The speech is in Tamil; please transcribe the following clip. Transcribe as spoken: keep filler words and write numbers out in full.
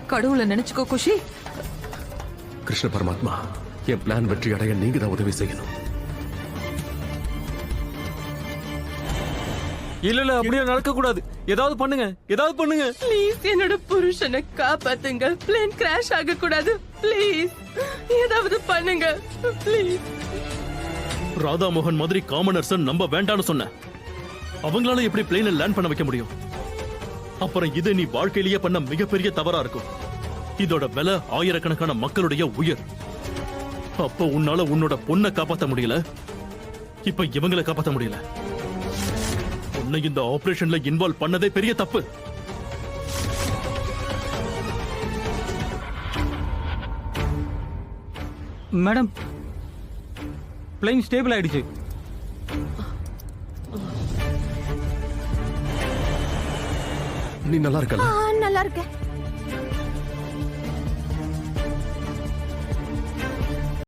கடவுளை நினைச்சுக்கோ குஷி. கிருஷ்ண பரமாத்மா, என் பிளான் வெற்றி அடைய நீங்க தான் உதவி செய்யணும். இல்ல இல்ல அப்படியே நடக்க கூடாது. ஏதாவது பண்ணுங்க, ஏதாவது பண்ணுங்க. ப்ளீஸ் என்னோட புருஷனை காப்பாத்துங்க. பிளேன் கிராஷ் ஆக கூடாது. ப்ளீஸ் ஏதாவது பண்ணுங்க ப்ளீஸ். ராதா மோகன் மாதிரி காமனர்ஸ் நம்ப வேண்டாம்னு சொன்ன. அவங்களால எப்படி பிளேனை லேண்ட் பண்ண வைக்க முடியும்? அப்புறம் இது நீ வாழ்க்கையிலேயே பண்ண மிகப்பெரிய தவறா இருக்கும். இதோட விலை ஆயிரக்கணக்கான மக்களுடைய உயிர். அப்போ உன்னால உன்னோட பொண்ணை காப்பாத்த முடியல, இப்ப இவங்களை காப்பாத்த முடியல. உன்னை இந்த ஆபரேஷன்ல இன்வால்வ் பண்ணதே பெரிய தப்பு. மேடம், பிளேன் ஸ்டேபிள் ஆயிடுச்சு. நீ நல்லா இருக்கல? நல்லா இருக்கேன்.